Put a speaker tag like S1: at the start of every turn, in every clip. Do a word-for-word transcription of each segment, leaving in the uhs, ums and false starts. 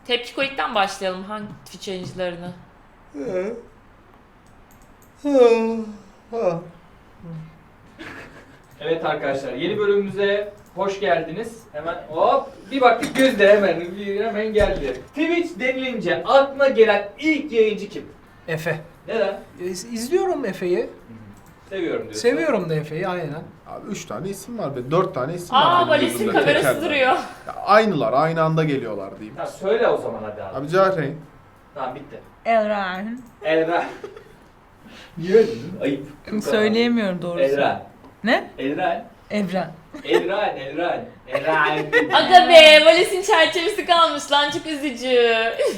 S1: Tepkikolik'ten başlayalım. Hangi Twitch yayıncılarını?
S2: Evet arkadaşlar, yeni bölümümüze hoş geldiniz. Hemen hop bir baktık Gözde hemen bir hemen geldi. Twitch denilince aklına gelen ilk yayıncı kim?
S3: Efe.
S2: Neden?
S3: İz- İzliyorum Efe'yi.
S2: Seviyorum diyorsun.
S3: Seviyorum da Efe'yi aynen.
S4: Abi üç tane isim var be. Dört tane isim var.
S1: Aa
S4: benim
S1: Valis'in
S4: gözümde,
S1: kamerası
S4: teker.
S1: duruyor.
S4: Ya aynılar, aynı anda geliyorlar diyeyim.
S2: Tamam söyle o zaman hadi abi.
S4: Abi Cahreyn.
S2: Tamam bitti.
S5: Elren.
S2: Elra. Niye öyle dedin? Ayıp.
S5: Söyleyemiyorum doğrusu.
S2: Elra.
S5: Ne?
S2: Elra.
S5: Evren.
S2: Elra. Elra. Elra.
S1: Aga be Valis'in çerçevesi kalmış lan, çok üzücü.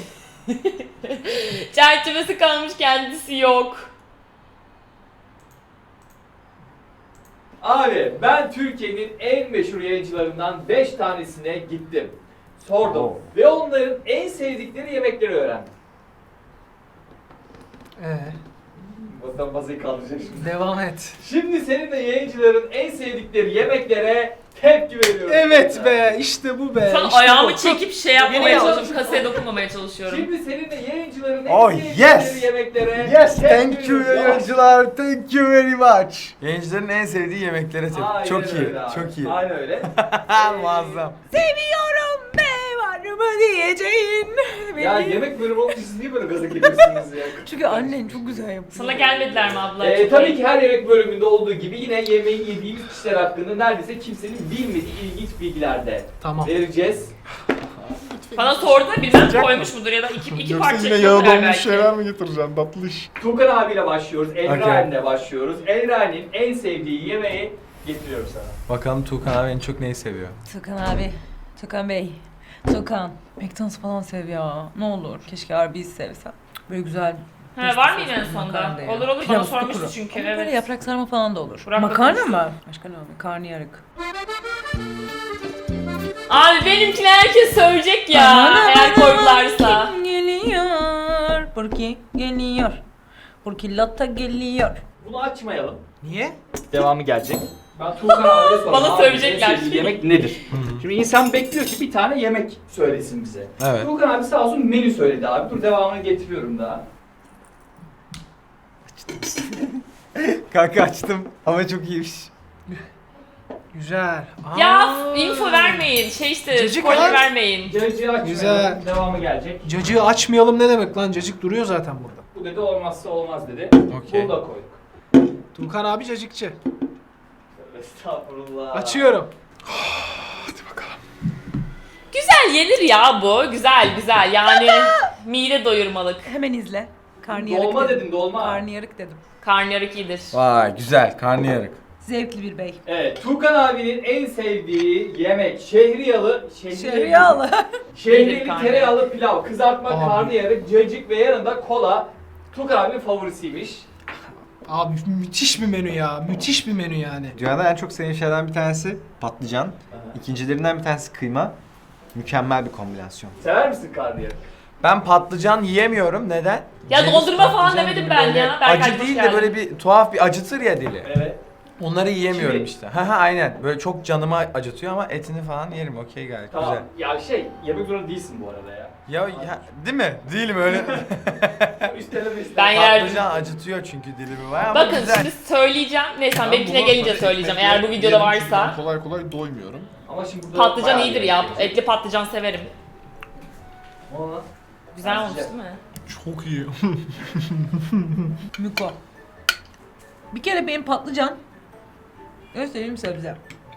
S1: Çerçevesi kalmış, kendisi yok.
S2: Abi ben Türkiye'nin en meşhur yayıncılarından beş tanesine gittim. Sordum
S4: Oo.
S2: ve onların en sevdikleri yemekleri öğrendim.
S3: Ee,
S2: Bakalım masayı kaldıracak şimdi.
S3: devam et.
S2: Şimdi senin de yayıncıların en sevdikleri yemeklere tepki veriyorum.
S3: Evet be, işte bu be.
S1: Şu an
S3: işte
S1: ayağımı
S3: bu.
S1: çekip şey yapmamaya
S3: Yeni
S1: çalışıyorum, kasaya dokunmamaya çalışıyorum.
S2: Şimdi senin de yayıncıların en
S6: Oh,
S2: sevdikleri
S6: yes.
S2: yemeklere
S6: Yes,
S2: tepki
S6: thank you
S2: veriyorum.
S6: yayıncılar. Thank you very much. Yayıncıların en sevdiği yemeklere tepki.
S2: Aynen
S6: Çok iyi,
S2: öyle abi.
S6: çok iyi.
S2: Aynen öyle.
S6: Muazzam.
S5: Seviyorum be var mı diyeceğin.
S2: Ya
S5: Benim.
S2: yemek bölümü olunca siz niye böyle gaza geliyorsunuz ya?
S5: Çünkü annen çok güzel yapıyor.
S1: Sana gelmediler mi abla?
S2: Ee,
S1: Çok
S2: tabii
S1: iyi.
S2: ki her yemek bölümünde olduğu gibi yine yemeği yediğimiz kişiler hakkında neredeyse kimsenin bilmediği ilginç bilgiler de
S3: Tamam.
S2: vereceğiz.
S1: Bana sordu da bilmem koymuş mudur ya da iki, iki
S4: Yoksa
S1: parça
S4: yine yağı
S1: yapıyorlar
S4: dolmuş
S1: belki.
S4: şeyler mi getireceksin tatlı iş?
S2: Tuğkan abiyle başlıyoruz, Elra'nle
S6: Okay.
S2: başlıyoruz. Elra'nın en sevdiği yemeği getiriyorum sana.
S6: Bakalım Tuğkan abi en çok neyi seviyor?
S5: Tukan abi. Tukan Bey. Tukan. McDonald's falan sev ya. Ne olur. Keşke Arby's sevsem. Böyle güzel.
S1: Ha, var mı yine en
S5: Makarna
S1: sonunda?
S5: da ya.
S1: Olur olur,
S5: Pilav
S1: bana
S5: üstü
S1: sormuştu
S5: kuru.
S1: çünkü.
S5: Ama böyle
S1: Evet.
S5: yaprak sarma falan da olur.
S1: Burak da
S5: Makarna
S1: konuştu.
S5: mı? Başka ne abi? Karnıyarık.
S1: Abi benimkini herkes söyleyecek ya
S5: Bana
S1: eğer
S5: bana
S1: koydularsa.
S5: kim geliyor? Burki geliyor. Burki Lotta geliyor.
S2: Bunu açmayalım.
S3: Niye?
S2: Devamı gelecek. Ben Tuğkan abiye sorayım.
S1: Bana
S2: Abi,
S1: söyleyecekler.
S2: en sevdiği yemek nedir? Şimdi insan bekliyor ki bir tane yemek söylesin bize.
S6: Evet.
S2: Tuğkan abi sağ olsun menü söyledi abi. Dur devamını getiriyorum daha.
S6: Kanka açtım ama çok iyiymiş.
S3: Güzel. Aa.
S1: Ya info vermeyin, şey işte
S3: Cacık
S1: spoiler
S3: lan.
S1: vermeyin.
S2: Cacığı açmayalım.
S3: Güzel.
S2: Devamı gelecek.
S3: Cacığı açmayalım ne demek lan? Cacık duruyor zaten burada.
S2: Bu dedi olmazsa olmaz dedi.
S6: Okey.
S2: Bunu da koyduk.
S3: Tuğkan abi cacıkçı.
S2: Estağfurullah.
S3: Açıyorum.
S1: Güzel yenir ya bu, güzel güzel yani mide doyurmalık.
S5: Hemen izle. Karnıyarık
S2: Dolma
S5: dedim.
S2: dedin dolma.
S5: Karnıyarık dedim.
S1: Karnıyarık iyidir.
S6: Vay güzel, karnıyarık.
S5: Zevkli bir bey.
S2: Evet, Tuğkan abinin en sevdiği yemek şehriyalı, şehriyeli,
S5: Şeriyalı.
S2: şehriyeli
S1: Karnıyarık.
S2: tereyağlı pilav, kızartma,
S3: Abi.
S2: karnıyarık, cacık ve yanında kola. Tuğkan abinin favorisiymiş.
S3: Abi müthiş bir menü ya. Müthiş bir menü yani.
S6: Dünyada en çok sevdiğim şeylerden bir tanesi patlıcan. İkincilerinden bir tanesi kıyma. Mükemmel bir kombinasyon.
S2: Sever misin karnıyarık?
S6: Ben patlıcan yiyemiyorum. Neden?
S1: Ya
S6: Ceviz
S1: dondurma falan
S6: patlıcan
S1: demedim
S6: gibi
S1: ben
S6: böyle
S1: ya. Berkay,
S6: Acı
S1: hoş
S6: değil de
S1: geldin.
S6: böyle bir tuhaf bir acıtır ya dili.
S2: Evet.
S6: Onları yiyemiyorum
S2: Kimi?
S6: işte. Ha ha aynen. Böyle çok canıma acıtıyor ama etini falan yerim. Okey gayet
S2: Tamam.
S6: güzel.
S2: Ya şey, yemek zorunda değilsin bu arada ya.
S6: Ya, ya değil mi? Değilim öyle.
S2: Üsteleme üsteleme.
S1: Ben yerdim.
S6: Patlıcan acıtıyor çünkü dilimi var ama
S1: Bakın
S6: güzel.
S1: şimdi söyleyeceğim. Neyse
S4: Ben
S1: benimkine
S4: bunu
S1: gelince
S4: tabii
S1: söyleyeceğim
S4: ekmekle
S1: eğer bu videoda
S4: yerim çünkü
S1: varsa.
S4: ben kolay kolay doymuyorum.
S2: Ama şimdi burada
S1: Patlıcan
S2: bayağı
S1: iyidir
S2: yemek
S1: ya.
S2: yiyecek.
S1: Etli patlıcan severim.
S2: Ona.
S1: Güzel
S2: Ben
S1: olmuş
S2: sıcak.
S1: değil mi?
S4: Çok iyi.
S5: Miko. Bir kere benim patlıcan göstereyim sebze.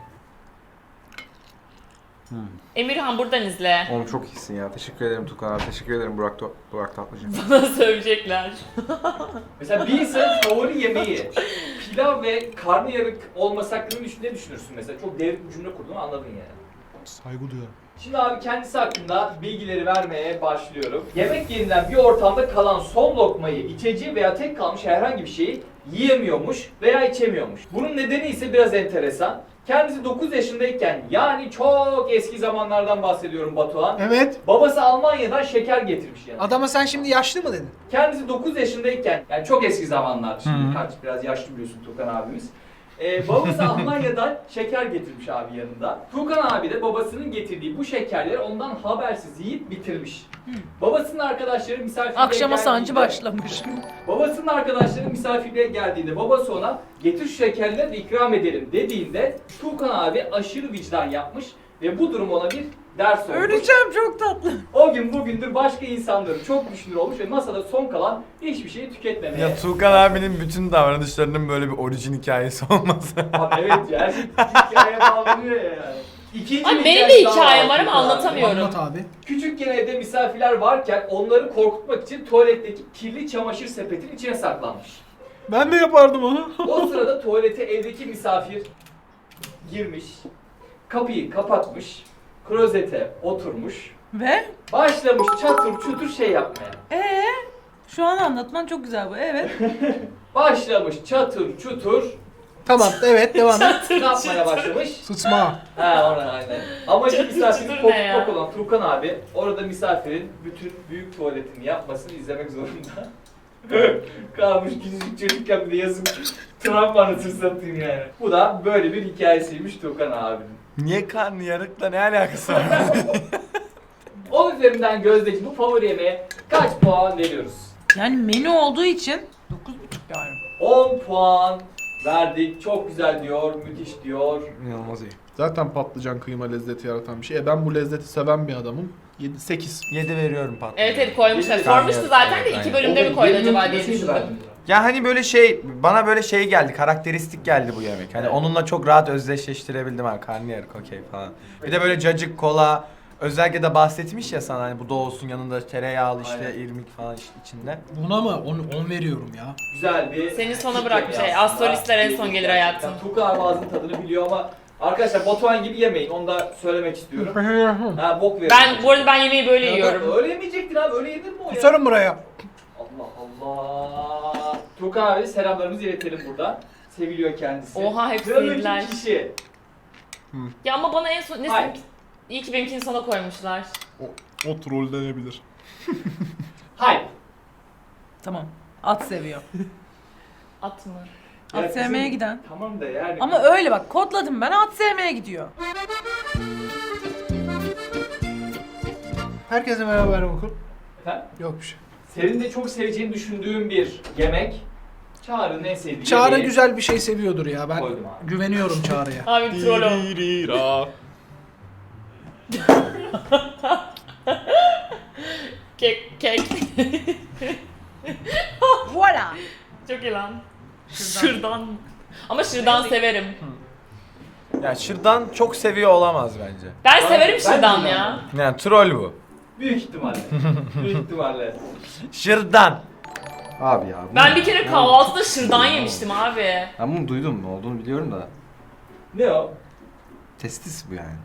S1: Emirhan buradan izle.
S6: Oğlum çok iyisin ya. Teşekkür ederim Tukan abi. Teşekkür ederim Burak, To- Burak Tatlıcı.
S1: Bana sövecekler.
S2: Mesela bir insanın favori yemeği pilav ve karnıyarık olması hakkında ne düşün- ne düşünürsün mesela? Çok devrik bir cümle kurdun anladın yani.
S4: Saygı duyuyorum.
S2: Şimdi abi kendisi hakkında bilgileri vermeye başlıyorum. Yemek yerinden bir ortamda kalan son lokmayı, içeceği veya tek kalmış herhangi bir şeyi yiyemiyormuş veya içemiyormuş. Bunun nedeni ise biraz enteresan. Kendisi dokuz yaşındayken yani çok eski zamanlardan bahsediyorum Batuhan.
S3: Evet.
S2: Babası Almanya'dan şeker getirmiş yani.
S3: Adama sen şimdi yaşlı mı dedin?
S2: Kendisi dokuz yaşındayken yani çok eski zamanlar şimdi
S6: Hı.
S2: kaç biraz yaşlı biliyorsun Tukan abimiz. Ee, babası Almanya'dan şeker getirmiş abi yanında. Tuğkan abi de babasının getirdiği bu şekerleri ondan habersiz yiyip bitirmiş. Babasının arkadaşları misafirliğe
S5: Akşama sancı
S2: geldiğinde-
S5: başlamış.
S2: Babasının arkadaşları misafirliğe geldiğinde babası ona getir şu şekerleri de ikram edelim dediğinde Tuğkan abi aşırı vicdan yapmış ve bu durum ona bir ders olmuş.
S5: Öleceğim, çok tatlı.
S2: O gün bugündür başka insanları çok düşünür olmuş ve masada son kalan hiçbir şeyi tüketmemeye.
S7: Ya Tuğkan abinin bütün davranışlarının böyle bir orijin hikayesi olması.
S2: Abi evet ya, her şey hikayeye bağlanıyor ya yani. İkinci
S1: Abi
S2: bir
S1: benim de
S2: hikayesi daha
S1: hikayem var ama
S2: Tuğkan abi.
S1: anlatamıyorum.
S3: Anlat abi.
S2: Küçükken evde misafirler varken onları korkutmak için tuvaletteki kirli çamaşır sepetin içine saklanmış.
S3: Ben de yapardım onu.
S2: O sırada tuvalete evdeki misafir girmiş, kapıyı kapatmış, klozete oturmuş,
S5: Ve?
S2: başlamış çatır çutur şey yapmaya.
S5: Ee? Şu an anlatman çok güzel bu, evet.
S2: Başlamış çatır çutur
S3: Tamam, evet, devam et.
S2: ne yapmaya başlamış?
S3: Sıçma.
S2: Ha ona aynen. Amacı
S1: Çatır
S2: misafirin
S1: çutur ne ya?
S2: korkutmak olan Turkan abi orada misafirin bütün büyük tuvaletini yapmasını izlemek zorunda. Kalmış küçücük çocukken bir de yazık travma anasını satayım yani. Bu da böyle bir hikayesiymiş Turkan abinin.
S7: Niye karnı yarıkla ne alakası var?
S2: On üzerinden Gözde'ci bu favori yemeğe kaç puan veriyoruz?
S5: Yani menü olduğu için dokuz buçuk yani.
S2: on puan verdik. Çok güzel diyor, müthiş diyor.
S6: İnanılmaz iyi.
S4: Zaten patlıcan kıyma lezzeti yaratan bir şey. E ben bu lezzeti seven bir adamım. yedi sekiz.
S7: yedi veriyorum patlıcan.
S1: Evet evet koymuşlar.
S2: Yedi
S1: Sormuştu
S7: tane
S1: zaten de
S7: evet,
S1: iki
S7: aynen.
S1: bölümde mi koydu acaba diye
S2: Nasıl
S1: düşündüm.
S2: verdin?
S7: Ya hani böyle şey, bana böyle şey geldi, karakteristik geldi bu yemek. Hani
S2: Evet.
S7: onunla çok rahat özdeşleştirebildim ha, karnıyarık okey falan. Bir de böyle cacık, kola, özellikle de bahsetmiş ya sana hani bu da olsun yanında tereyağlı işte
S2: Aynen.
S7: irmik falan iç- içinde.
S3: Buna mı? on veriyorum ya.
S2: Güzel bir...
S1: Seni sona
S2: küçük
S1: bırakmış
S2: yemeği
S1: şey,
S2: aslında.
S1: astrolistler en son gelir hayatım.
S2: Yani Tuğkan abi ağzının tadını biliyor ama arkadaşlar Batuhan gibi yemeyin. Onu da söylemek istiyorum. Ha bok verin.
S1: Ben bu arada ben yemeği böyle
S2: Ya
S1: yiyorum.
S2: Öyle yemeyecektin abi. Öyle yenir mi o ya?
S3: Kusarım buraya.
S2: Allah Allah. Tuğkan abi selamlarımızı iletelim burada. Seviliyor kendisi.
S1: Oha, hepsi
S2: Sıradaki
S1: yediler.
S2: kişi.
S1: Ya ama bana en son...
S2: Hayır.
S1: Neyse, iyi ki benimkini sona koymuşlar.
S4: O, o troll denebilir.
S2: Hayır.
S5: Tamam. At seviyor.
S1: At mı?
S5: At
S2: Ya
S5: sevmeye
S2: bizim-
S5: giden.
S2: Tamam da yani.
S5: Ama öyle bak, kodladım ben, at sevmeye gidiyor.
S3: Herkese merhaba, ben Okul.
S2: Efendim?
S3: Yok bir şey.
S2: Senin de çok seveceğini düşündüğüm bir yemek. Çağrı'nın en sevdiği
S3: Çağrı
S2: yemeği
S3: güzel bir şey seviyordur ya. Ben
S2: koydum abi.
S3: güveniyorum Çağrı'ya.
S1: Abi troll o.
S4: Dirira.
S1: Kek, kek.
S5: Voila.
S1: Çok iyi lan. Şırdan. Ama şırdan severim.
S7: Ya şırdan çok seviyor olamaz bence.
S1: Ben
S2: Ben-
S1: severim
S2: ben
S1: şırdan
S2: de
S1: ya.
S7: Yani troll bu.
S2: Büyük ihtimalle. Büyük ihtimalle.
S7: Şırdan.
S6: Abi ya. bu
S1: Ben
S6: ne?
S1: bir kere kahvaltıda şırdan yemiştim abi.
S6: Ben bunu duydum, ne olduğunu biliyorum da.
S2: Ne o?
S6: Testis bu yani.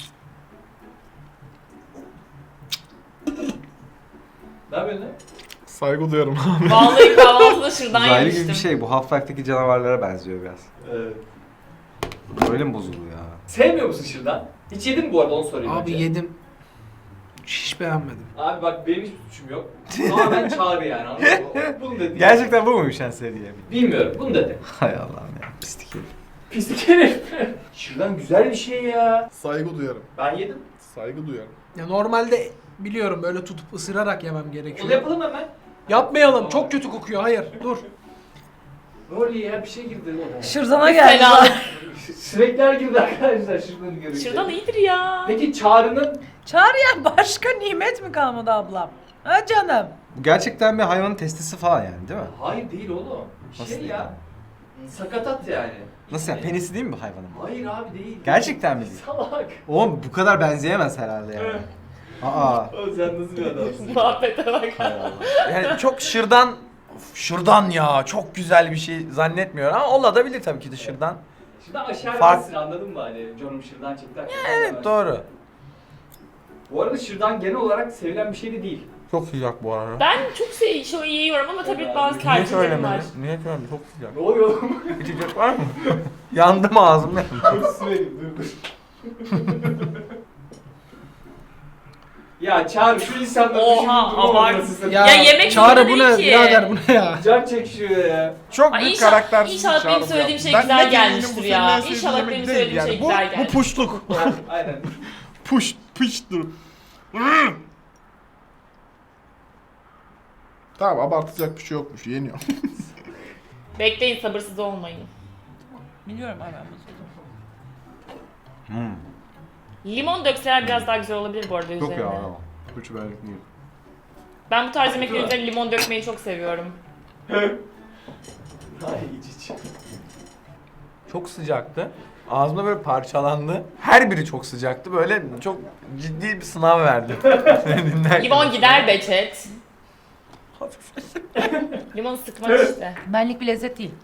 S2: Ne yapıyorsun lan?
S4: Saygı duyarım abi.
S1: Vallahi kahvaltıda şırdan
S6: Uzaylı
S1: yemiştim.
S6: gibi bir şey. Bu Half-Life'deki canavarlara benziyor biraz.
S2: Evet.
S6: Öyle mi bozuluyor ya?
S2: Sevmiyor musun şırdan? Hiç yedin mi bu arada onu sorayım
S3: Abi
S2: önce.
S3: yedim. Hiç beğenmedim.
S2: Abi bak benim hiçbir suçum yok. Ama ben Çağrı yani anladın mı? Bunu dedi.
S6: Gerçekten bu muymuş en sevdiği yemek?
S2: Bilmiyorum bunu dedi.
S6: Hay Allah'ım ya. Pislik herif.
S2: Pislik herif. Şırdan güzel bir şey ya.
S4: Saygı duyarım.
S2: Ben yedim.
S4: Saygı duyarım.
S3: Ya normalde biliyorum böyle tutup ısırarak yemem
S2: Onu
S3: gerekiyor.
S2: yapalım hemen.
S3: Yapmayalım. Çok kötü kokuyor. Hayır. Dur.
S2: Ne oluyor ya bir şey girdi.
S5: Şırdana geldi.
S1: Fena.
S2: Sinekler girdi arkadaşlar şırdanı görünce.
S1: Şırdan iyidir ya.
S2: Peki Çağrı'nın
S5: Çağrı'ya başka nimet mi kalmadı ablam? Ha canım.
S6: Bu gerçekten bir hayvanın testisi falan yani değil mi?
S2: hayır değil oğlum.
S6: Nasıl
S2: Şey
S6: değil
S2: ya. Sakatat yani.
S6: Nasıl yani? Penisi değil mi bu hayvanın?
S2: Hayır abi değil.
S6: Gerçekten mi değil?
S2: Salak.
S6: Oğlum bu kadar benzeyemez herhalde yani. Aa.
S2: O sen nasıl bir adamsın?
S1: Muhabbete bak.
S6: Hay Allah.
S7: Yani çok şırdan, of, şırdan ya çok güzel bir şey zannetmiyorum ama olabilir tabii ki de şırdan.
S2: Şırdan aşağı
S7: Fark-
S2: versin anladın mı hani canım şırdan çekti.
S7: Evet doğru.
S2: Bu arada şırdan genel olarak sevilen bir şey de değil.
S7: Çok sıcak bu arada.
S1: Ben çok şey, şey yiyorum ama tabii
S2: Evet,
S1: bazı
S2: niye
S7: Niye
S1: tercihlerim var.
S7: söylemedin? Niye söylemedin? Çok sıcak.
S2: Ne oluyor oğlum?
S7: İçecek var mı? Yandım ağzım.
S2: Dur su vereyim dur dur. Ya Çağrı şu insanları
S1: Oha,
S2: düşünün durum
S1: abart.
S2: ortasısın.
S1: Ya yemek
S3: Çağrı
S1: zorunda
S3: bu
S1: değil
S3: ne?
S1: ki.
S3: Birader bu ne ya?
S2: Can çekişiyor ya.
S4: Çok
S1: Ay
S4: büyük
S1: inşallah-
S4: karaktersiz
S1: inşallah
S4: Çağrı
S1: benim
S4: bu
S1: söylediğim
S4: ya.
S1: şey
S4: Ben
S1: güzel
S4: net eminim
S1: gelmiştir
S4: bu
S1: ya.
S4: senin en sevdiğin
S1: İnşallah
S4: yemek
S1: benim
S4: değil
S1: söylediğim şey
S4: bu,
S1: güzel
S4: Bu
S1: gelmiştir.
S4: puşluk.
S2: Aynen.
S4: Puş, pıştır. Tamam abartacak bir şey yokmuş yeniyor.
S1: Bekleyin, sabırsız olmayın.
S5: Biliyorum abi ben bunu.
S6: Hmm.
S1: Limon dökseler biraz daha güzel olabilir bu arada
S6: Yok
S1: üzerine.
S6: ya. Hiç benlik değil.
S1: Ben bu tarz yemeklerin üzerine limon dökmeyi çok seviyorum.
S2: Ay iç iç.
S7: Çok sıcaktı. Ağzımda böyle parçalandı. Her biri çok sıcaktı. Böyle çok ciddi bir sınav verdi. Dinlerken.
S1: Limon gider be chat. Limon sıkmak işte.
S5: Benlik bir lezzet değil.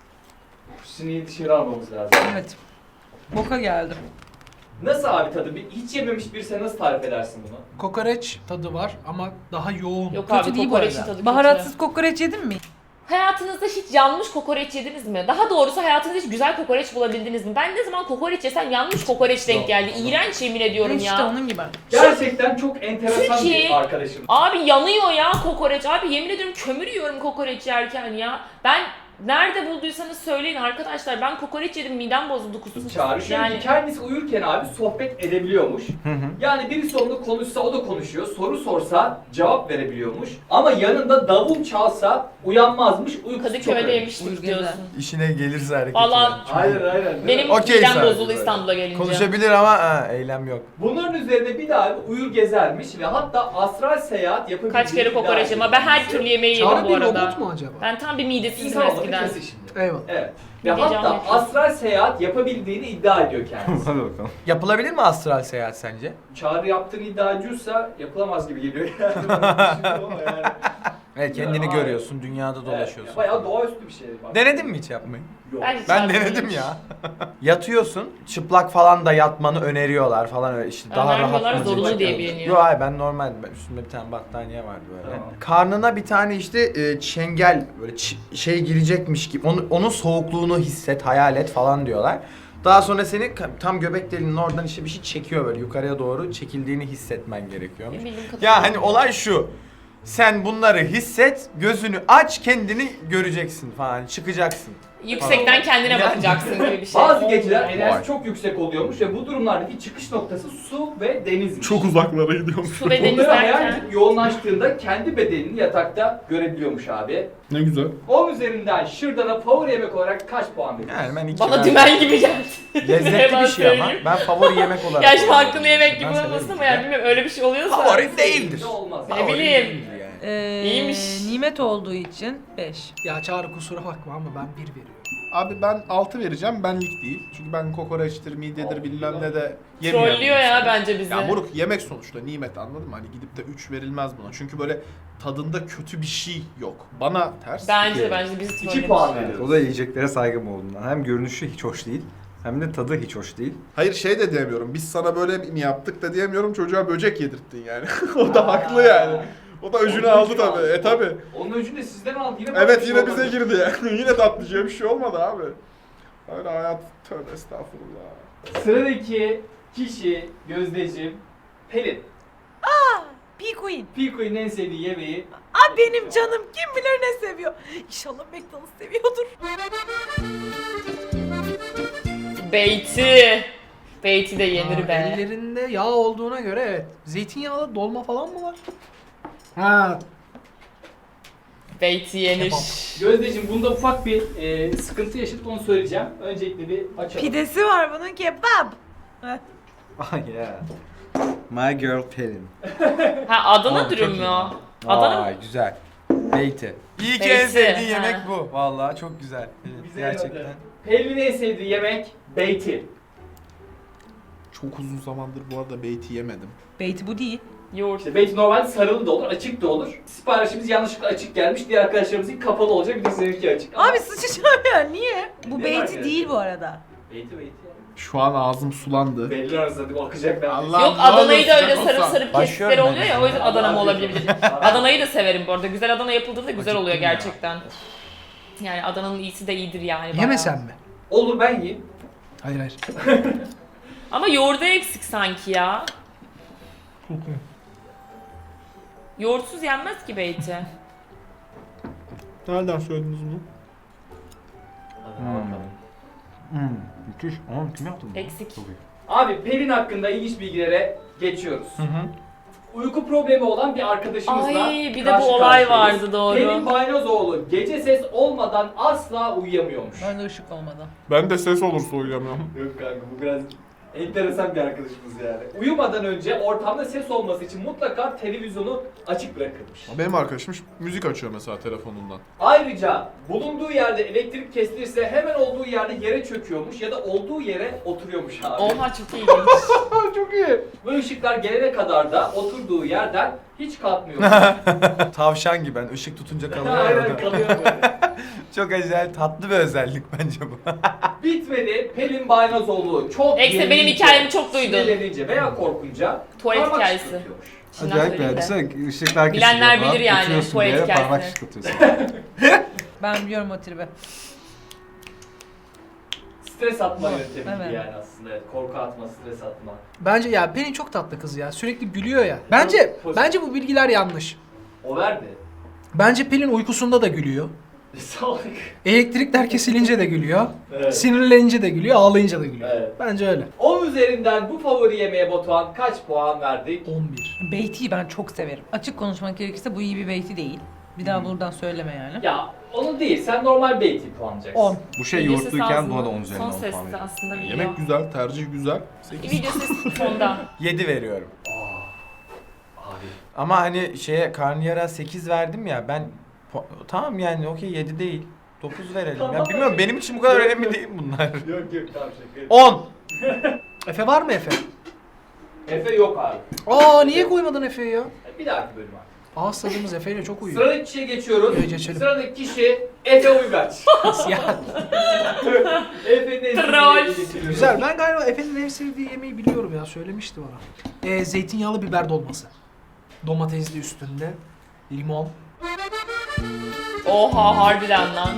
S2: Sineği dışarı almamız lazım.
S5: Evet. Boka geldim.
S2: Nasıl abi tadı? Bir, hiç yememiş birisi nasıl tarif edersin bunu?
S3: Kokoreç tadı var ama daha yoğun.
S1: Yok
S5: Kötü
S1: abi,
S5: değil bu
S1: kokoreçin
S5: arada.
S1: tadı kötü.
S5: Baharatsız kokoreç yedin mi?
S1: Hayatınızda hiç yanmış kokoreç yediniz mi? Daha doğrusu hayatınızda hiç güzel kokoreç bulabildiniz mi? Ben ne zaman kokoreç yesem yanmış kokoreç denk geldi. İğrenç yemin ediyorum
S5: İşte
S1: ya.
S5: onun gibi.
S2: Gerçekten çok enteresan
S1: Türkiye-
S2: bir arkadaşım.
S1: Abi yanıyor ya kokoreç. Abi yemin ediyorum kömür yiyorum kokoreç yerken ya. Ben nerede bulduysanız söyleyin arkadaşlar. Ben kokoreç yedim, midem bozuldu, kustum.
S2: Çağrı şöyle
S1: Yani
S2: ki kendisi uyurken abi sohbet edebiliyormuş.
S7: Hı hı.
S2: Yani birisi onunla konuşsa o da konuşuyor. Soru sorsa cevap verebiliyormuş. Ama yanında davul çalsa uyanmazmış. Uykusu çok
S1: Kadıköy'de
S2: önemli.
S1: yemiştik
S5: Uyur
S1: diyorsun.
S7: İşine gelirse hareket
S1: Vallahi-
S7: eder.
S2: Aynen aynen. değil mi?
S1: Benim
S7: Okey
S1: midem
S7: sadece
S1: bozuldu
S7: böyle.
S1: İstanbul'a gelince.
S7: Konuşabilir ama ha, eylem yok.
S2: Bunların üzerine bir daha bir uyur gezermiş ve hatta astral seyahat yapabildiğini
S1: Kaç kere
S2: iddia
S1: kokoreç
S2: ediyor
S1: yedim ama ben her
S2: kendisi.
S1: türlü yemeği yedim
S3: Çağrı
S1: bu
S3: bir
S1: arada.
S3: robot mu acaba?
S1: Ben tam bir midesizdim
S2: İnsan olmanın
S1: eskiden.
S2: kası şimdi.
S3: Eyvallah.
S2: Evet. Ve
S1: Bir gece
S2: hatta
S1: Ahmet.
S2: astral seyahat yapabildiğini iddia ediyor kendisi.
S6: Hadi bakalım.
S7: Yapılabilir mi astral seyahat sence?
S2: Çağrı yaptığını iddia ediyorsa yapılamaz gibi geliyor yani. Ama yani.
S7: Evet, kendini
S2: Ya,
S7: görüyorsun, dünyada
S2: Evet,
S7: dolaşıyorsun.
S2: bayağı doğaüstü bir şey. Bak.
S7: Denedin mi hiç yapmayı?
S2: Yok.
S1: Ben, hiç
S7: Ben
S1: yapmadım
S7: denedim
S1: hiç.
S7: ya. Yatıyorsun, çıplak falan da yatmanı öneriyorlar falan öyle işte daha
S1: Önermiyorlar,
S7: rahat.
S1: zorunlu diye biliniyor.
S7: Yok hayır ben normal, ben üstümde bir tane battaniye vardı böyle.
S2: Tamam.
S7: Karnına bir tane işte e, çengel böyle ç- şey girecekmiş gibi onu, onun soğukluğunu hisset, hayal et falan diyorlar. Daha sonra seni ka- tam göbek deliğinin oradan işte bir şey çekiyor böyle yukarıya doğru çekildiğini hissetmen gerekiyormuş.
S1: Benim bildiğim
S7: Ya
S1: kadarıyla.
S7: hani olay şu. Sen bunları hisset, gözünü aç, kendini göreceksin falan, çıkacaksın.
S1: Yüksekten kendine
S7: Yani-
S1: bakacaksın gibi bir şey.
S2: Bazı geceler
S1: Olmuyor.
S2: enerjisi
S7: Vay.
S2: çok yüksek oluyormuş ve bu durumlardaki çıkış noktası su ve denizmiş.
S4: Çok uzaklara gidiyormuş.
S1: Su ve deniz
S2: Bunları hayal
S1: derken.
S2: edip yoğunlaştığında kendi bedenini yatakta görebiliyormuş abi.
S4: Ne güzel.
S2: on üzerinden şırdana favori yemek olarak kaç puan veriyorsun?
S7: Yani ben iki
S1: Bana
S7: ben-
S1: dümen gibi geldi.
S7: Lezzetli bir şey ama ben favori yemek olarak.
S1: Ya şimdi hakkını
S7: kullanıyorum.
S1: yemek gibi
S7: Ben severim.
S1: olmasın ama yani bilmiyorum öyle bir şey oluyorsa.
S7: Favori değildir.
S2: Ne olmaz.
S1: Ne
S7: Favori
S1: bileyim.
S7: değildir yani.
S5: Ee,
S1: İyiymiş.
S5: Nimet olduğu için beş.
S3: Ya Çağrı kusura bakma ama ben bir veriyorum.
S4: Abi ben altı vereceğim benlik değil. Çünkü ben kokoreçtir, midyedir bilmem ne de yemiyorum.
S1: Trollüyor ya bence bizi.
S4: Ya moruk yemek sonuçta nimet anladın mı? Hani gidip de üç verilmez buna. Çünkü böyle tadında kötü bir şey yok. Bana ters.
S1: Bence de
S6: İki.
S1: bence de bizi
S2: iki
S1: trollemiş.
S2: puan
S6: Evet,
S2: veriyoruz.
S6: o da yiyeceklere saygım olduğundan. Hem görünüşü hiç hoş değil, hem de tadı hiç hoş değil.
S4: Hayır şey de diyemiyorum. Biz sana böyle mi yaptık da diyemiyorum. Çocuğa böcek yedirttin yani. O da haklı yani. O da öcünü
S2: Onun
S4: aldı
S2: öcünü
S4: tabii.
S2: aldı.
S4: E tabii.
S2: Onun öcünü de sizden aldı. Yine bana bir
S4: Evet
S2: şey
S4: yine
S2: olmadı.
S4: bize girdi yani. Yine tatlıcıya bir şey olmadı abi. Öyle hayat tövbe estağfurullah.
S2: Sıradaki kişi Gözdeciğim Pelin.
S5: P-Queen.
S2: Piko'nun en sevdiği yemeği
S5: Aa benim canım kim bilir ne seviyor. İnşallah McDonald's seviyordur.
S1: Beyti. Beyti de yenir
S3: Aa,
S1: be.
S3: Ellerinde yağ olduğuna göre evet. Zeytinyağlı dolma falan mı var? Ha,
S1: Beyti yenir.
S3: Kebap.
S2: Gözdeciğim bunda ufak bir e, sıkıntı yaşadık onu söyleyeceğim. Öncelikle bir açalım.
S5: Pidesi var bunun kebap. Heh.
S6: Ah yeah. My girl Pelin.
S1: Ha Adana
S7: Oğlum,
S1: dürüm
S7: çok
S1: mü
S7: iyi.
S1: o? Adana mı?
S7: Vay güzel. Beyti. İyi ki
S1: Beyti,
S7: en sevdiğin
S1: ha.
S7: yemek bu. Vallahi çok güzel. Evet,
S2: Bize
S7: gerçekten.
S2: yaradı. Pelin'in en sevdiği yemek beyti.
S4: Çok uzun zamandır bu arada beyti yemedim.
S5: Beyti bu değil.
S1: Yoğurt.
S2: İşte beyti normalde sarılı da olur, açık da olur. Siparişimiz yanlışlıkla açık gelmiş. Diğer arkadaşlarımızın kapalı olacak. Bir de seninki açık. Ama
S5: Abi sıçacağım ya niye? Bu
S2: Ne var
S5: beyti
S2: yani?
S5: değil bu arada.
S2: beyti beyti yani.
S4: Şu an ağzım sulandı.
S2: Belli arasında akacak ben.
S4: Allah
S1: Yok
S4: ne
S1: Adana'yı da
S4: olur
S1: öyle
S4: sıcak
S1: sarıp
S4: olsa.
S1: sarıp
S7: Başlıyorum
S1: kestikleri
S7: ben
S1: oluyor
S7: de.
S1: ya o yüzden Adana mı olabilir?
S2: Abi.
S1: Adana'yı da severim bu arada. Güzel Adana yapıldığında güzel oluyor
S7: Acıktım ya.
S1: gerçekten. Yani Adana'nın iyisi de iyidir yani. bayağı.
S3: yemesen mi?
S2: Olur ben yiyeyim.
S3: Hayır hayır.
S1: Ama yoğurdu eksik sanki ya. Yoğurtsuz yenmez ki beyti.
S4: Nereden söylediniz bunu?
S2: Hadi bakalım.
S6: Hmm, müthiş. Oğlum kim yaptı bunu?
S1: Eksik.
S6: Çok iyi.
S2: Abi Pelin hakkında ilginç bilgilere geçiyoruz.
S7: Hı hı.
S2: Uyku problemi olan bir arkadaşımızla
S1: Ay bir de
S2: karşı
S1: bu olay
S2: karşıyayız.
S1: vardı doğru.
S2: Pelin Baynozoğlu gece ses olmadan asla uyuyamıyormuş.
S5: Ben de ışık olmadan.
S4: Ben de ses olursa uyuyamıyorum.
S2: Yok kanka bu biraz enteresan bir arkadaşımız yani. Uyumadan önce ortamda ses olması için mutlaka televizyonu açık bırakırmış.
S4: Benim arkadaşım müzik açıyor mesela telefonundan.
S2: Ayrıca bulunduğu yerde elektrik kesilirse hemen olduğu yerde yere çöküyormuş ya da olduğu yere oturuyormuş abi.
S1: Oha çok ilginç.
S4: Çok iyi.
S2: Bu ışıklar gelene kadar da oturduğu yerden hiç kalkmıyor.
S7: Tavşan gibi ben ışık tutunca kalıyor.
S2: Aynen
S7: orada.
S2: kalıyor böyle.
S7: Çok acayip tatlı bir özellik bence bu.
S2: Bitmedi. Pelin Baynozoğlu çok
S1: Ekse benim
S2: yenilince,
S1: hikayemi çok duydun.
S2: sinirlenince veya korkunca
S1: Tuvalet
S2: parmak
S1: hikayesi.
S2: şıklatıyormuş.
S1: Şimdiden
S6: Acayip
S1: söyleyeyim
S6: ya.
S1: de.
S6: Düşünsene ışıklar
S1: Bilenler
S6: kesiliyor falan.
S1: bilir yani
S6: Oturuyorsun
S1: tuvalet
S6: bir yere, parmak
S1: hikayesini.
S6: şıklatıyorsun.
S5: Ben biliyorum o tribi.
S2: Stres atma yöntemi
S5: Evet.
S2: gibi yani aslında. Evet, korku atma, stres atma.
S3: Bence ya Pelin çok tatlı kız ya. Sürekli gülüyor ya. Bence
S2: Pozitif.
S3: bence bu bilgiler yanlış.
S2: O verdi.
S3: Bence Pelin uykusunda da gülüyor.
S2: Salak.
S3: Elektrikler kesilince de gülüyor.
S2: Evet.
S3: Sinirlenince de gülüyor, ağlayınca da gülüyor.
S2: Evet.
S3: Bence öyle.
S2: on üzerinden bu favori yemeğe Batuhan kaç puan verdik?
S3: on bir.
S5: Beyti'yi ben çok severim. Açık konuşmak gerekirse bu iyi bir beyti değil. Bir daha buradan söyleme yani.
S2: Ya onu değil, sen normal beyti puanlayacaksın.
S5: on.
S6: Bu şey
S1: Video sesi
S6: yoğurtluyken
S1: ağzında.
S6: buna da on üzerinden
S1: Son
S6: on puan
S1: sesli
S6: veriyorum.
S1: aslında video.
S4: Yemek güzel, tercih güzel. sekiz.
S1: Video sesi fonda.
S7: yedi veriyorum.
S2: Abi.
S7: Ama hani şeye karnıyara sekiz verdim ya ben po- tamam yani okey yedi değil. dokuz verelim. Ya
S2: Tamam.
S7: bilmiyorum benim için bu kadar önemli değil bunlar.
S2: Yok yok tamam şaka.
S7: on.
S3: Efe var mı Efe?
S2: Efe yok abi.
S3: Aa niye koymadın Efe'yi ya?
S2: Bir dahaki bölüm abi.
S3: Ağız tadımız Efe ile çok uyuyor.
S2: Sıradaki kişiye geçiyoruz.
S3: Evet, geçelim.
S2: Sıradaki kişi Efe Uygaç.
S3: ya,
S2: Efe'nin en
S1: Troll.
S2: sevdiği getiriyoruz.
S3: güzel. Ben galiba Efe'nin en sevdiği yemeği biliyorum ya. Söylemişti bana. Ee, zeytinyağlı biber dolması. Domatesli üstünde. Limon.
S1: Oha harbiden lan.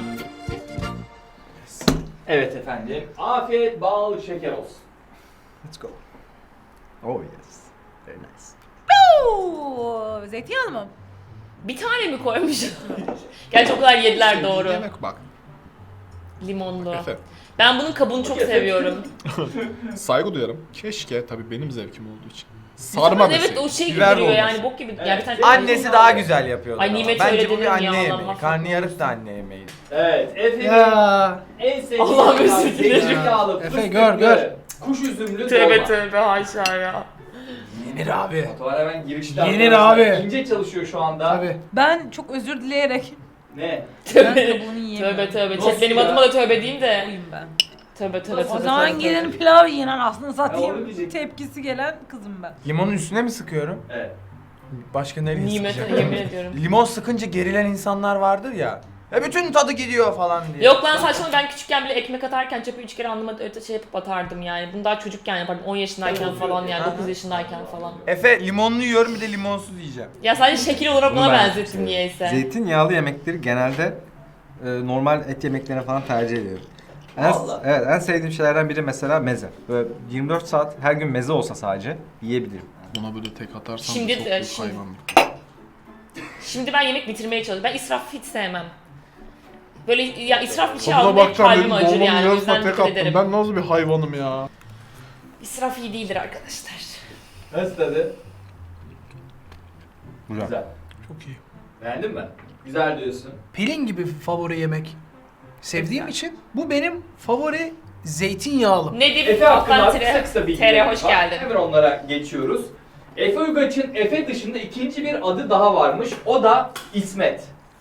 S2: Evet efendim. Afiyet bal şeker olsun.
S3: Let's go.
S6: Oh yes. Very nice.
S5: Oo, zeytinyağlı mı?
S1: Bir tane mi koymuş? Gerçi o kadar yediler
S4: Sevdiğin
S1: doğru.
S4: Yemek bak.
S1: Limonlu.
S4: Efe.
S1: Ben bunun kabuğunu çok
S2: Efe.
S1: seviyorum.
S4: Saygı duyarım. Keşke tabii benim zevkim olduğu için. Sarma
S1: Evet
S4: deseydim.
S1: o şey gibi
S7: Biber
S1: duruyor
S7: dolması.
S1: yani bok gibi.
S2: Evet.
S1: Yani bir tane
S7: Annesi daha güzel yapıyordu.
S1: Ay,
S7: ama.
S1: Nimet
S7: Bence
S1: öyle
S7: bu bir
S1: dedim
S7: anne
S1: ya, Allah
S7: yemeği.
S1: mahvetsin.
S7: Karnıyarık da anne yemeği.
S2: Evet Efe'nin
S3: Ya.
S2: en sevdiği
S1: Allah'ım
S2: yemek
S1: özür dilerim.
S2: zeytinyağlı,
S3: Efe,
S2: fıstıklı,
S3: gör, gör.
S2: kuş üzümlü
S1: Tövbe
S2: dolma.
S1: tövbe haşa ya.
S3: Yenir abi.
S2: Batuhan hemen girişten.
S3: Yenir
S2: arkadaşlar.
S3: abi.
S2: İnce çalışıyor şu anda.
S3: Tabii.
S5: Ben çok özür dileyerek
S2: Ne?
S5: ben
S1: Tövbe.
S5: kabuğunu yiyemiyorum.
S1: Tövbe tövbe.
S2: Nasıl
S1: Chat benim
S2: ya?
S1: adıma da tövbe diyeyim de.
S5: Oyum ben.
S1: Tövbe tövbe tövbe.
S5: O zaman
S1: tövbe,
S5: gelin
S1: tövbe.
S5: pilav yiyen aslında
S2: Ya onu
S5: satayım
S2: diyecektim.
S5: tepkisi gelen kızım ben.
S7: Limonun üstüne mi sıkıyorum?
S2: Evet.
S7: Başka nereye
S1: Nimete
S7: sıkacağım?
S1: yemin ediyorum.
S7: Limon sıkınca gerilen insanlar vardır ya. E bütün tadı gidiyor falan diye.
S1: Yok lan saçma, ben küçükken bile ekmek atarken çöpü üç kere alnıma öte şey yapıp atardım yani. Bunu daha çocukken yapardım. on yaşındayken falan yani, dokuz yaşındayken falan.
S7: Efe limonlu yiyorum bir de limonsuz yiyeceğim.
S1: Ya sadece şekil olarak
S6: Bunu
S1: ona
S6: ben
S1: benzettim
S6: seviyorum.
S1: niyeyse.
S6: Zeytinyağlı yemekleri genelde e, normal et yemeklerine falan tercih ediyorum. En,
S2: Vallahi.
S6: evet, en sevdiğim şeylerden biri mesela meze. Böyle yirmi dört saat her gün meze olsa sadece yiyebilirim.
S4: Buna böyle tek atarsan
S1: Şimdi
S4: çok
S1: de-
S4: büyük
S1: şimdi-
S4: hayvan.
S1: Şimdi ben yemek bitirmeye çalışıyorum. Ben israf hiç sevmem. Böyle ya israf bir şey
S4: Tadına
S1: aldım hep
S4: bakacağım
S1: kalbim
S4: dedim,
S1: acır
S4: dolmanın
S1: yani. O
S4: yarısına
S1: yüzden
S4: tek
S1: dikkat
S4: attım.
S1: ederim.
S4: Ben nasıl bir hayvanım ya?
S1: İsraf iyi değildir arkadaşlar.
S2: Nasıl tadı?
S6: Güzel.
S2: Güzel.
S3: Çok iyi.
S2: Beğendin mi? Güzel diyorsun.
S3: Pelin gibi favori yemek sevdiğim için bu benim favori zeytinyağlım.
S1: Nedir?
S2: Efe hakkında
S1: Alttan
S2: kısa
S1: tire.
S2: kısa bilgiler
S1: Tere hoş
S2: var.
S1: geldin.
S2: Hemen onlara geçiyoruz. Efe Uygaç'ın Efe dışında ikinci bir adı daha varmış. O da İsmet.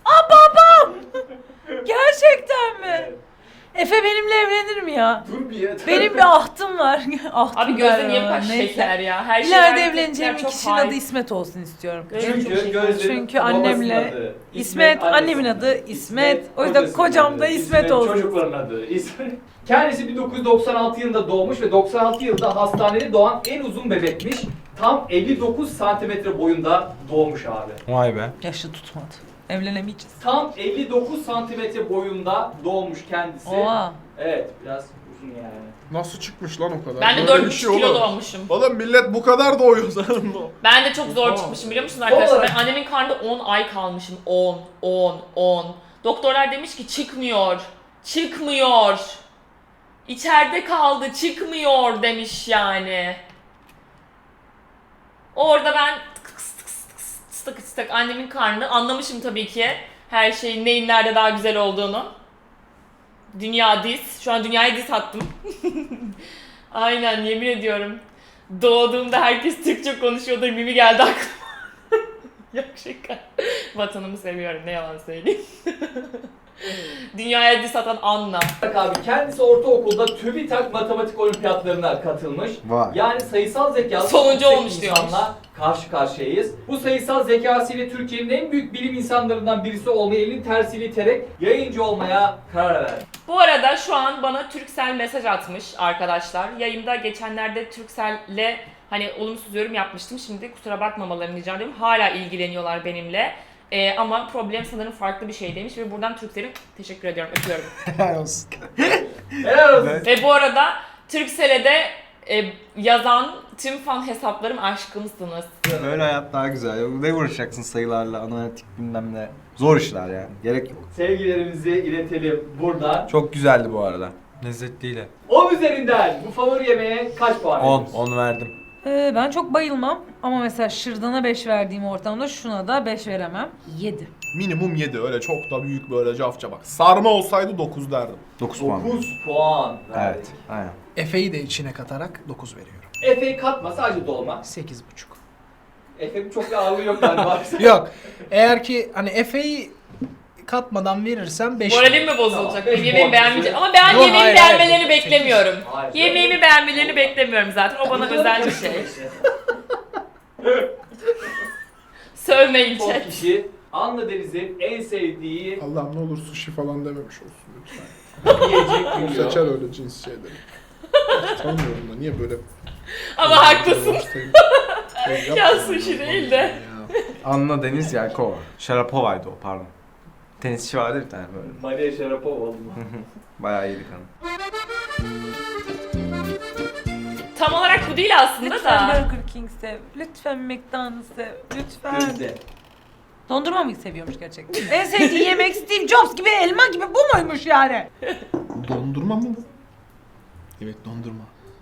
S5: Gerçekten mi? Efe benimle evlenir mi ya?
S2: Dur bir ya.
S5: Benim bir ahtım var. ahtım
S1: Abi gözde
S5: var
S1: niye bu
S5: ama,
S1: kadar
S5: neyse.
S1: şeker ya? Her şey
S5: İleride
S1: her
S5: evleneceğim
S1: çok
S5: kişinin
S1: high.
S5: adı İsmet olsun istiyorum.
S1: Gözde çok
S2: Çünkü
S1: şeker.
S2: gözlerin
S5: Çünkü
S2: babasının
S5: annemle
S2: adı.
S5: İsmet, annemin adı İsmet. O yüzden
S2: kocasının
S5: kocam da
S2: adı,
S5: İsmet olsun.
S2: Çocukların adı İsmet. Kendisi bin dokuz yüz doksan altı yılında doğmuş ve doksan altı yılında hastanede doğan en uzun bebekmiş. Tam elli dokuz santimetre boyunda doğmuş abi.
S7: Vay be.
S5: Yaşı tutmadı. Evlenemeyeceğiz.
S2: Tam elli dokuz santimetre boyunda doğmuş kendisi.
S5: Oha.
S2: Evet, biraz uzun yani.
S4: Nasıl çıkmış lan o kadar?
S1: Ben de
S4: Böyle
S1: dört
S4: bir
S1: buçuk
S4: şey
S1: kilo
S4: olur.
S1: doğmuşum.
S4: Oğlum millet bu kadar doğuyor sanırım.
S1: Ben de çok zor
S4: Oha.
S1: çıkmışım biliyor musunuz arkadaşlar?
S2: olarak-
S1: Ben annemin karnında on ay kalmışım. on, on, on. Doktorlar demiş ki çıkmıyor. Çıkmıyor. İçeride kaldı, çıkmıyor demiş yani. Orada ben tık tık tık tık tık tık annemin karnını anlamışım tabii ki. Her şeyin neyin nerede daha güzel olduğunu. Dünya diz. Şu an dünyaya diz attım. Aynen yemin ediyorum. Doğduğumda herkes Türkçe konuşuyordu. Mimi geldi aklıma. Yok şaka. Vatanımı seviyorum ne yalan söyleyeyim. Dünyaya diz atan Anna.
S2: Bak abi kendisi ortaokulda TÜBİTAK matematik olimpiyatlarına katılmış.
S6: Vay.
S2: Yani sayısal zekalı
S1: Sonuncu
S2: yüksek
S1: olmuş diyormuş.
S2: insanla karşı karşıyayız. Bu sayısal zekasıyla Türkiye'nin en büyük bilim insanlarından birisi olmayı elin tersiyle iterek yayıncı olmaya karar verdi.
S1: Bu arada şu an bana Turkcell mesaj atmış arkadaşlar. Yayında geçenlerde Turkcell'le hani olumsuz yorum yapmıştım. Şimdi kusura bakmamalarını rica ediyorum. Hala ilgileniyorlar benimle. Ee, ama problem sanırım farklı bir şey demiş ve buradan Turkcell'e teşekkür ediyorum, öpüyorum.
S6: Helal olsun.
S2: Helal olsun.
S6: Evet.
S1: Ve bu arada Turkcell'e de e, yazan tüm fan hesaplarım aşkımsınız.
S6: Böyle hayat daha güzel. Ne uğraşacaksın sayılarla, analitik bilmem ne. Zor işler yani. Gerek yok.
S2: Sevgilerimizi iletelim buradan.
S7: Çok güzeldi bu arada. Lezzetliydi.
S2: on üzerinden bu favori yemeğe kaç puan
S7: on,
S2: veriyorsun?
S7: on verdim.
S5: Ee, ben çok bayılmam ama mesela şırdana beş verdiğim ortamda şuna da beş veremem. yedi.
S4: Minimum yedi, öyle çok da büyük böyle cafça bak. Sarma olsaydı dokuz derdim.
S6: dokuz puan.
S2: dokuz puan verdik.
S6: Evet. Aynen.
S3: Efe'yi de içine katarak dokuz veriyorum.
S2: Efe'yi katma sadece dolma.
S3: sekiz buçuk.
S2: Efe'nin çok bir ağırlığı yok galiba.
S3: Yok. Eğer ki hani Efe'yi katmadan verirsem beş.
S1: Moralim mi bozulacak?
S2: Tamam,
S1: Benim
S2: beş
S1: yemeğimi
S2: puan
S1: beğenmeyecek.
S2: bize.
S1: Ama ben
S3: Yok,
S1: yemeğimi
S3: hayır,
S1: beğenmelerini
S3: hayır.
S1: beklemiyorum.
S2: Hayır.
S1: Yemeğimi beğenmelerini beklemiyorum zaten. O bana özel bir şey. Sövmeyin
S2: Son
S1: chat.
S2: kişi Anla Deniz'in en sevdiği
S4: Allah'ım ne olur sushi falan dememiş olsun lütfen.
S2: yiyecek biliyor.
S4: Seçer öyle cins şeyleri. Tanımıyorum da niye böyle...
S1: Ama haklısın.
S4: Şey
S1: Ya sushi değil de.
S6: Anna Deniz Yelkova. Sharapova'ydı o, pardon. Tenisçi vardı bir tane böyle.
S2: Maria Sharapova oldu mu?
S6: Bayağı iyiydi kanı.
S1: Tam olarak bu değil aslında
S5: Lütfen
S1: da.
S5: Burger King sev. Lütfen McDonald's sev. Lütfen.
S2: Gözde.
S5: Dondurma mı seviyormuş gerçekten? En sevdiği yemek Steve Jobs gibi, elma gibi bu muymuş yani?
S4: Dondurma mı bu? Evet, dondurma.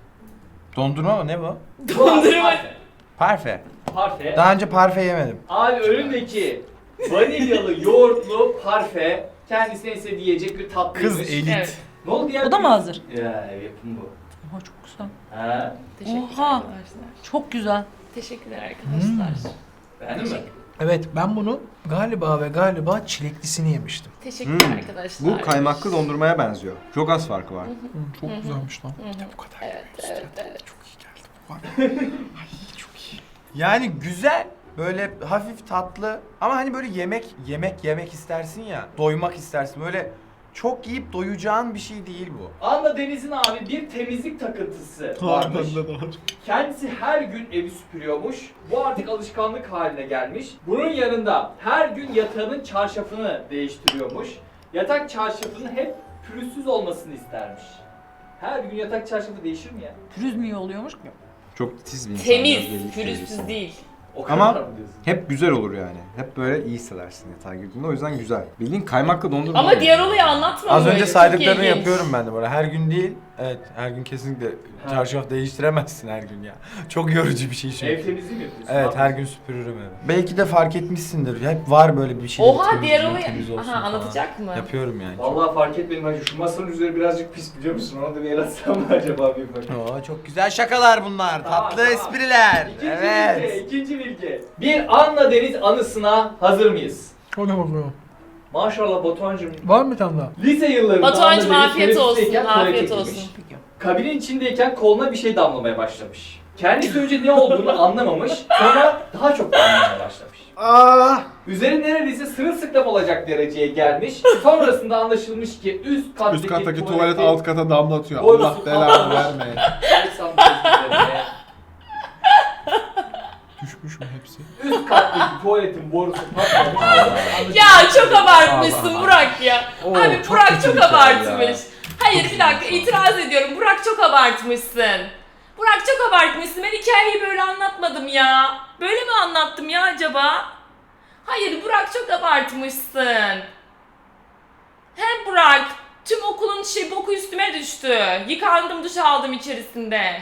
S7: Dondurma mı ne bu?
S1: Dondurma.
S2: Parfe.
S7: Parfe.
S2: Parfe.
S7: Daha önce parfe yemedim.
S2: Abi önündeki vanilyalı yoğurtlu parfe kendisine en sevdiği yiyecek bir tatlıymış.
S7: Kız elit.
S1: Evet.
S2: Ne oldu ya?
S5: O da mı hazır?
S2: Ya yapım bu.
S5: Oha çok güzel.
S2: Ha.
S1: Teşekkürler
S5: Oha.
S1: arkadaşlar.
S5: Çok güzel.
S1: Teşekkürler arkadaşlar.
S2: Beğendin mi?
S3: Evet, ben bunu galiba ve galiba çileklisini yemiştim.
S1: Teşekkürler
S6: Hmm.
S1: arkadaşlar.
S6: Bu kaymaklı dondurmaya benziyor. Çok az farkı var.
S3: Çok güzelmiş lan.
S4: Bu kadar.
S1: Evet, evet, evet.
S4: Çok iyi geldi bu var. Ay çok iyi.
S7: Yani güzel. Böyle hafif tatlı ama hani böyle yemek yemek yemek istersin ya. Doymak istersin. Böyle çok yiyip doyacağın bir şey değil bu.
S2: Anla Deniz'in abi bir temizlik takıntısı varmış.
S4: Bende de var.
S2: Kendisi her gün evi süpürüyormuş. Bu artık alışkanlık haline gelmiş. Bunun yanında her gün yatağının çarşafını değiştiriyormuş. Yatak çarşafının hep pürüzsüz olmasını istermiş. Her gün yatak çarşafı değişir mi ya?
S5: Pürüz mü iyi oluyormuş?
S6: Çok titiz bir insan. biraz
S1: Temiz,
S6: belli
S1: pürüzsüz
S6: seviyesi.
S1: değil.
S2: O
S6: Ama-
S2: kadar mı diyorsun?
S6: Hep güzel olur yani. Hep böyle iyi hissedersin yatağa girdiğinde. O yüzden güzel. Bildiğin kaymaklı dondurma.
S1: Ama
S6: oluyor.
S1: diğer olayı anlatma
S7: Az
S1: böyle.
S7: önce
S1: çok
S7: saydıklarını
S1: ilginç.
S7: yapıyorum ben de böyle. Her gün değil. Evet, her gün kesinlikle
S2: Ha.
S7: çarşaf değiştiremezsin her gün ya. Çok yorucu bir şey çünkü.
S2: Ev temizliği mi yapıyorsun?
S7: Evet,
S2: Ne
S7: her
S2: yapıyorsun?
S7: gün süpürürüm evi. Belki de fark etmişsindir. Hep var böyle bir şey.
S1: Oha diğer olayı. Aha anlatacak mı?
S7: Yapıyorum yani.
S2: Vallahi fark etmedim hacı. Şu masanın üzeri birazcık pis biliyor musun? Ona da bir el atsam mı acaba bir bak.
S7: Oo, çok güzel şakalar bunlar.
S2: Tamam,
S7: Tatlı
S2: tamam.
S7: espriler.
S2: İkinci
S7: Evet.
S2: bilgi, ikinci bilgi. Bir Anla Deniz anısına hazır mıyız?
S3: Hadi bakalım.
S2: Maşallah Batuhan'cığım.
S3: Var mı bir tane daha?
S2: Lise yıllarında
S1: Batuhan'cığım
S2: Anla Deniz
S1: afiyet olsun,
S2: teneffüsteyken tuvalete
S1: afiyet
S2: girmiş.
S1: olsun.
S2: Kabinin içindeyken koluna bir şey damlamaya başlamış. Kendisi önce ne olduğunu anlamamış, sonra daha çok damlamaya başlamış.
S4: Aa!
S2: Üzeri neredeyse sırılsıklam olacak dereceye gelmiş. Sonrasında anlaşılmış ki üst kattaki,
S4: Üst kattaki tuvalet
S2: tuvaleti
S4: alt kata damlatıyor.
S2: Borusu
S4: Allah belanı
S2: patlamış.
S4: vermeye.
S2: Alexander üzerine
S4: Düşmüş mü hepsi?
S2: Üst kattaki tuvaletin borusu patlamış.
S1: Ya çok abartmışsın Burak ya.
S6: Oo,
S1: Abi
S6: çok
S1: Burak
S6: kötü
S1: çok
S6: bir hikaye
S1: abartmış.
S6: ya.
S1: Hayır bir dakika itiraz ediyorum. Burak çok abartmışsın. Burak çok abartmışsın. Ben hikayeyi böyle anlatmadım ya. Böyle mi anlattım ya acaba? Hayır Burak çok abartmışsın. Hem Burak tüm okulun şey boku üstüme düştü. Yıkandım duş aldım içerisinde.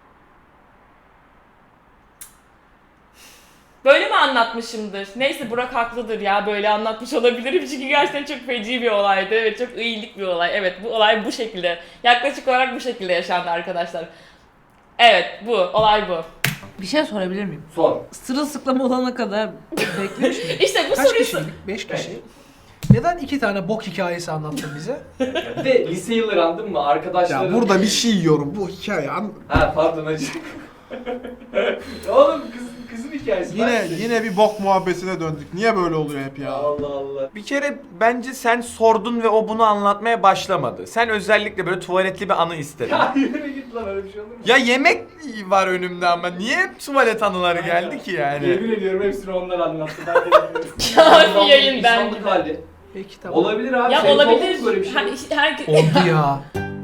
S1: Böyle mi anlatmışımdır? Neyse Burak haklıdır ya, böyle anlatmış olabilirim çünkü gerçekten çok feci bir olaydı. Evet, çok iyilik bir olay. Evet, bu olay bu şekilde. Yaklaşık olarak bu şekilde yaşandı arkadaşlar. Evet, bu. Olay bu.
S5: Bir şey sorabilir miyim?
S2: Sor.
S5: Sırılsıklam olana kadar beklemiş miyim?
S1: İşte bu
S3: Kaç
S1: soruyu...
S3: kişiydik? Beş kişi. Neden iki tane bok hikayesi anlattın bize?
S2: Bir de lise yılları andın mı? Arkadaşların...
S4: Ya burada bir şey yiyorum. Bu hikaye an...
S2: Ha pardon hacı. Oğlum kız, kızın hikayesi.
S4: Yine
S2: Ben-
S4: yine bir bok muhabbetine döndük. Niye böyle oluyor hep ya?
S2: Allah Allah.
S7: Bir kere bence sen sordun ve o bunu anlatmaya başlamadı. Sen özellikle böyle tuvaletli bir anı istedin.
S2: Ya yürü git lan, öyle bir şey olur mu?
S7: Ya yemek var önümde ama niye hep tuvalet anıları geldi ki yani?
S2: Yemin ediyorum hepsini onlar anlattı. Ben de bilmiyorum.
S1: Ya bir yayın
S2: İnsanlık
S1: bence de.
S2: hali.
S3: Peki tamam.
S2: Olabilir abi.
S1: Ya
S2: Senin
S1: olabilir.
S2: oldu mu böyle bir şey?
S1: Her, herke-
S3: Oldu ya.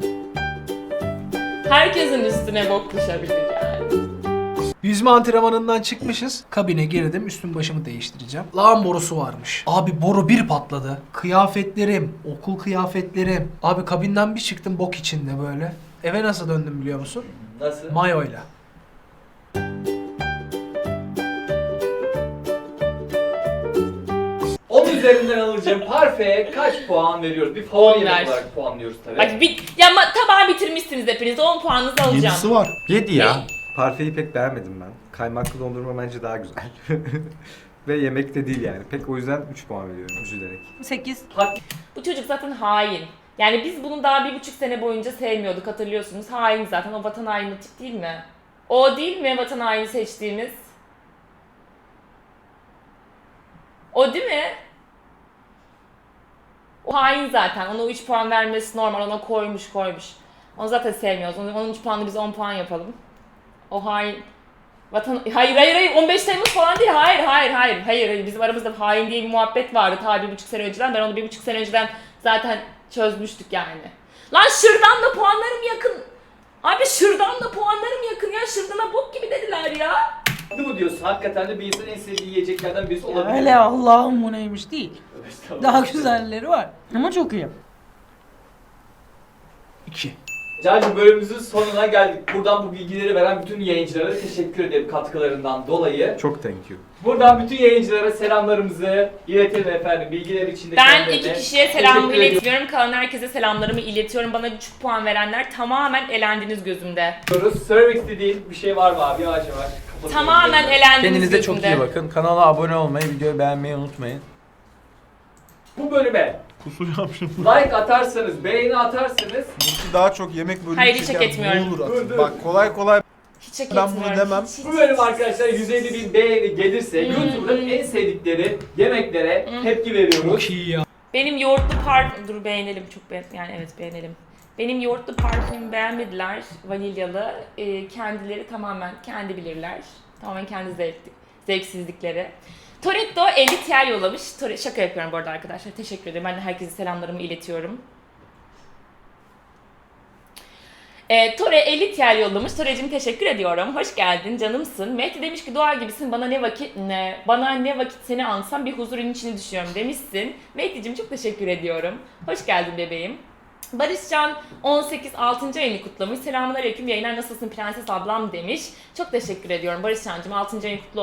S1: herkesin üstüne bok düşebilir yani.
S3: Yüzme antrenmanından çıkmışız. Kabine girdim. Üstüm başımı değiştireceğim. Lağım borusu varmış. Abi boru bir patladı. Kıyafetlerim, okul kıyafetlerim. Abi kabinden bir çıktım bok içinde böyle. Eve nasıl döndüm biliyor musun?
S2: Nasıl?
S3: Mayoyla.
S2: Onun üzerinden alacağım parfeye kaç puan veriyoruz? Bir favori
S1: On
S2: yemek
S1: ver.
S2: olarak puanlıyoruz tabii.
S1: Bak bir, ya ma- tabağı bitirmişsiniz hepiniz. on puanınızı alacağım.
S4: Yedisi var.
S7: Yedi ya.
S6: Parfeyi pek beğenmedim ben. Kaymaklı dondurma bence daha güzel. Ve yemek de değil yani. Pek o yüzden üç puan veriyorum üzülerek.
S5: sekiz.
S2: Hak-
S1: Bu çocuk zaten hain. Yani biz bunu daha bir buçuk sene boyunca sevmiyorduk, hatırlıyorsunuz. Hain zaten, o vatan haini tip değil mi? O değil mi vatan haini seçtiğimiz? O değil mi? O hain zaten. Ona üç puan vermesi normal. Ona koymuş koymuş. Onu zaten sevmiyoruz. Onun, onun üç puanını biz on puan yapalım. O hain. Vatan... Hayır hayır hayır. on beş Temmuz falan değil. Hayır hayır hayır. Hayır hayır. Bizim aramızda hain diye bir muhabbet vardı ta bir buçuk sene önceden. Ben onu bir buçuk sene önceden zaten çözmüştük yani. Lan Şırdan'la puanlarım yakın. Abi Şırdan'la puanlarım yakın ya. Şırdan'a bok gibi dediler ya.
S2: Değil mi diyorsun? Hakikaten de bir insanın en sevdiği yiyeceklerden birisi
S5: Ya
S2: olabilir.
S5: öyle Allah'ım bu neymiş değil.
S2: Estağfurullah.
S5: Daha güzelleri var. Ama çok iyi.
S3: İki.
S2: Cancığım, bölümümüzün sonuna geldik. Buradan bu bilgileri veren bütün yayıncılara teşekkür ederim katkılarından dolayı.
S6: Çok thank you.
S2: Buradan bütün yayıncılara selamlarımızı iletelim efendim. Bilgiler için de
S1: Ben
S2: kendilerine
S1: iki kişiye
S2: teşekkür
S1: selamımı
S2: ediyorum.
S1: iletiyorum. Kalan herkese selamlarımı iletiyorum. Bana düşük puan verenler tamamen elendiniz gözümde.
S2: Söylemek istediğin bir şey var mı abi? Yavaş yavaş kapatıyorum.
S1: Tamamen elendiniz
S7: Kendinize
S1: gözümde.
S7: çok iyi bakın. Kanala abone olmayı, videoyu beğenmeyi unutmayın.
S2: Bu bölüme
S4: Kusacağım şimdi.
S2: like atarsanız, beğeni atarsanız
S4: Daha çok yemek bölümü
S1: Hayır, hiç
S4: çeker,
S1: hak etmiyorum.
S4: bulur
S2: Dur,
S4: atın.
S2: dur.
S4: Bak kolay kolay
S1: Hiç hak
S4: Ben bunu
S1: etmiyorum.
S4: demem.
S1: Hiç, hiç,
S2: bu bölüm arkadaşlar yüz elli bin beğeni gelirse
S1: Hmm.
S2: YouTube'da en sevdikleri yemeklere
S1: Hmm.
S2: tepki veriyoruz.
S3: Çok iyi ya.
S1: Benim yoğurtlu parfüm... Dur beğenelim çok beğen... Yani evet beğenelim. Benim yoğurtlu parfümümü beğenmediler. Vanilyalı. Ee, kendileri tamamen kendi bilirler. Tamamen kendi zevk, zevksizlikleri. Toretto elli T L yollamış. Tore- Şaka yapıyorum bu arada arkadaşlar. Teşekkür ederim. Ben de herkese selamlarımı iletiyorum. E, Tore elli T L yollamış. Tore'cim teşekkür ediyorum. Hoş geldin, canımsın. Mehdi demiş ki dua gibisin. Bana ne vakit ne? Bana ne vakit seni ansam bir huzurun içine düşüyorum demişsin. Mehdi'cim çok teşekkür ediyorum. Hoş geldin bebeğim. Barışcan on sekiz altıncı ayını kutlamış. Selamünaleyküm yayınlar, nasılsın prenses ablam demiş. Çok teşekkür ediyorum Barışcan'cım. altıncı ayın kutlu